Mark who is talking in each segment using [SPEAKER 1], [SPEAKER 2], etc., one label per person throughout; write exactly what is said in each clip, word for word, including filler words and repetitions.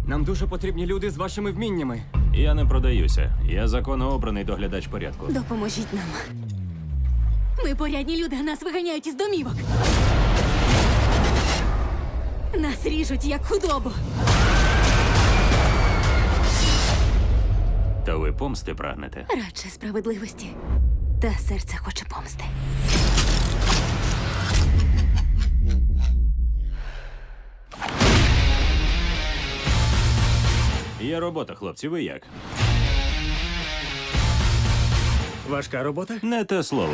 [SPEAKER 1] Нам дуже потрібні люди з вашими вміннями.
[SPEAKER 2] Я не продаюся. Я законно обраний доглядач порядку.
[SPEAKER 3] Допоможіть нам. Ми порядні люди, а нас виганяють із домівок. Нас ріжуть, як худобу.
[SPEAKER 2] Та ви помсти прагнете?
[SPEAKER 3] Радше справедливості. Та серце хоче помсти.
[SPEAKER 2] Є робота, хлопці, ви як?
[SPEAKER 4] Важка робота?
[SPEAKER 2] Не те слово.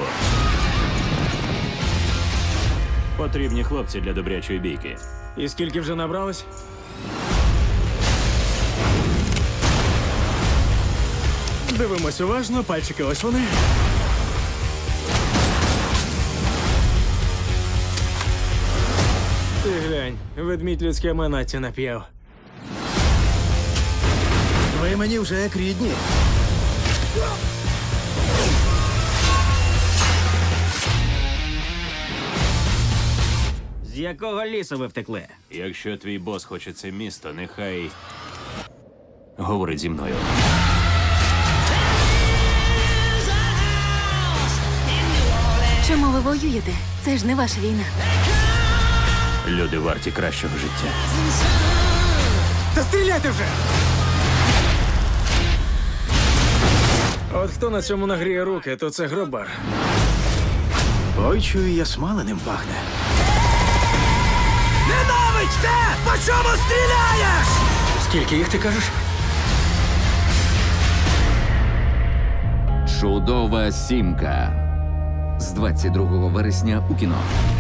[SPEAKER 2] Потрібні хлопці для добрячої бійки.
[SPEAKER 4] І скільки вже набралось? Дивимось уважно, пальчики ось вони. Ти глянь, ведмідь людське манаття нап'яв.
[SPEAKER 5] Ви мені вже як рідні.
[SPEAKER 6] З якого лісу ви втекли?
[SPEAKER 2] Якщо твій бос хоче це місто, нехай говорить зі мною.
[SPEAKER 3] Чому ви воюєте? Це ж не ваша війна.
[SPEAKER 2] Люди варті кращого життя.
[SPEAKER 4] Та стріляйте вже! От хто на цьому нагріє руки, то це гробар.
[SPEAKER 5] Ой, чую, я смаленим пахне. Ненавидьте! По чому стріляєш? Скільки їх ти кажеш?
[SPEAKER 7] Чудова сімка з двадцять другого вересня у кіно.